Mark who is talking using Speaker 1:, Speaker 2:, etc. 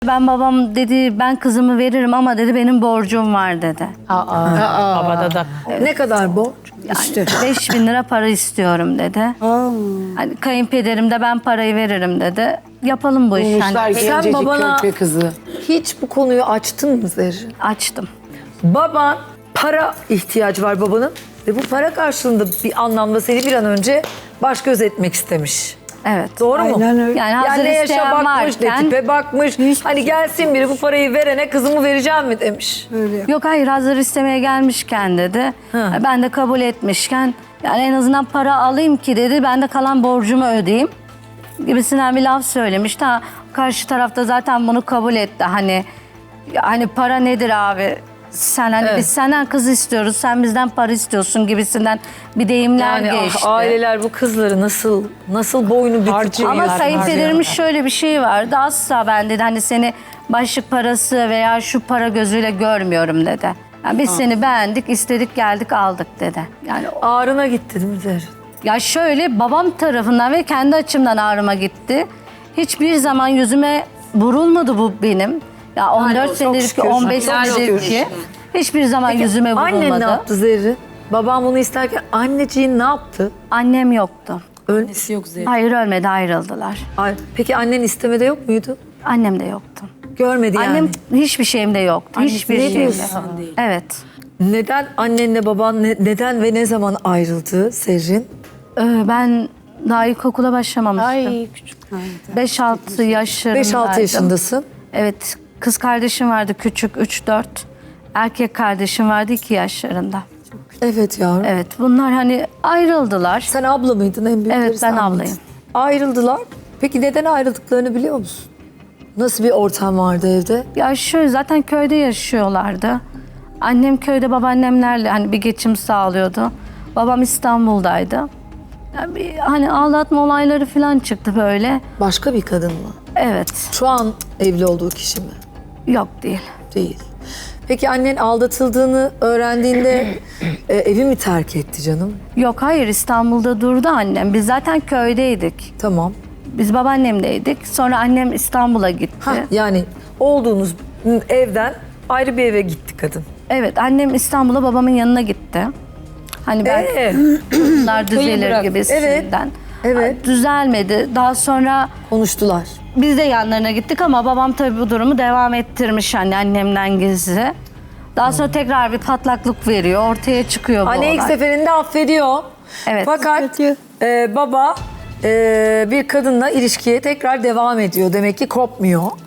Speaker 1: Ben babam dedi ben kızımı veririm ama dedi benim borcum var dedi.
Speaker 2: Babada da.
Speaker 3: Ne kadar borç?
Speaker 1: Yani 5.000 lira para istiyorum dedi. Hani kayınpederim de ben parayı veririm dedi. Yapalım bu işi. Hani
Speaker 3: Sen babana hiç bu konuyu açtın mı Zerrin?
Speaker 1: açtım.
Speaker 3: Baban para ihtiyacı var babanın ve bu para karşılığında bir anlamda seni bir an önce baş göz etmek istemiş.
Speaker 1: Evet.
Speaker 3: Doğru mu?
Speaker 4: Aynen öyle.
Speaker 1: Yani hazır
Speaker 3: Yani ne yaşa
Speaker 1: isteyen
Speaker 3: bakmış, ne
Speaker 1: varken...
Speaker 3: tipe bakmış. Hani gelsin biri bu parayı verene kızımı vereceğim mi demiş.
Speaker 1: Yok hayır hazır istemeye gelmişken dedi. Ben de kabul etmişken yani en azından para alayım ki dedi. Ben de kalan borcumu ödeyeyim gibisinden bir laf söylemiş. Ta karşı tarafta zaten bunu kabul etti. Hani para nedir abi? Sen hani
Speaker 3: Evet.
Speaker 1: biz senden kız istiyoruz, sen bizden para istiyorsun gibisinden bir deyimler
Speaker 3: Yani
Speaker 1: geçti.
Speaker 3: aileler bu kızları nasıl boynu bükük.
Speaker 1: Ama kayınpederimin şöyle bir şey vardı. Asla ben dedi hani seni başlık parası veya şu para gözüyle görmüyorum dedi. Yani biz seni beğendik, istedik, geldik, aldık dedi. Yani
Speaker 3: Ağrına gitti değil mi Zerrin?
Speaker 1: ya şöyle babam tarafından ve kendi açımdan ağrıma gitti. Hiçbir zaman yüzüme vurulmadı bu benim. Ya 14 senedir ki 15 senedir ki hiçbir zaman yüzüme vurulmadı.
Speaker 3: Annen ne yaptı Zerrin? Babam bunu isterken anneciğin ne yaptı?
Speaker 1: Annem yoktu.
Speaker 2: Annesi yok Zerrin.
Speaker 1: Hayır ölmedi, ayrıldılar.
Speaker 3: Peki annen istemede yok muydu?
Speaker 1: Annem de yoktu.
Speaker 3: Görmedi yani.
Speaker 1: Annem hiçbir şeyimde yoktu. Hiçbir
Speaker 3: ne
Speaker 1: şeyimde.
Speaker 3: diyorsun?
Speaker 1: Evet.
Speaker 3: Neden annenle baban neden ve ne zaman ayrıldı Zerrin?
Speaker 1: Ben daha ilkokula başlamamıştım.
Speaker 2: Ay küçük.
Speaker 1: 5-6 yaşlarındaydım.
Speaker 3: 5-6 yaşındasın.
Speaker 1: Evet. Kız kardeşim vardı küçük 3-4. Erkek kardeşim vardı 2 yaşlarında.
Speaker 3: Evet yavrum.
Speaker 1: Evet bunlar hani ayrıldılar.
Speaker 3: Sen abla mıydın en büyükleri?
Speaker 1: Evet, ben
Speaker 3: sen miydin?
Speaker 1: ablayım.
Speaker 3: Ayrıldılar. Peki neden ayrıldıklarını biliyor musun? Nasıl bir ortam vardı evde?
Speaker 1: Ya şöyle zaten köyde yaşıyorlardı. Annem köyde babaannemlerle hani bir geçim sağlıyordu. Babam İstanbul'daydı. Yani hani aldatma olayları falan çıktı böyle.
Speaker 3: Başka bir kadın mı?
Speaker 1: Evet.
Speaker 3: Şu an evli olduğu kişi mi?
Speaker 1: Yok değil.
Speaker 3: Değil. Peki annen aldatıldığını öğrendiğinde evi mi terk etti canım?
Speaker 1: Yok hayır İstanbul'da durdu annem. Biz zaten köydeydik.
Speaker 3: Tamam.
Speaker 1: Biz babaannemdeydik. Sonra annem İstanbul'a gitti.
Speaker 3: Yani olduğunuz evden ayrı bir eve gitti kadın.
Speaker 1: Evet annem İstanbul'a babamın yanına gitti. Hani ben bunlar düzelir gibisinden.
Speaker 3: Evet.
Speaker 1: Düzelmedi. Daha sonra
Speaker 3: Konuştular.
Speaker 1: biz de yanlarına gittik ama babam tabii bu durumu devam ettirmiş hani annemden gizli. Daha sonra tekrar bir patlaklık veriyor. Ortaya çıkıyor bu
Speaker 3: Anne ilk
Speaker 1: olay.
Speaker 3: seferinde affediyor.
Speaker 1: Evet.
Speaker 3: Fakat baba bir kadınla ilişkiye tekrar devam ediyor. Demek ki kopmuyor.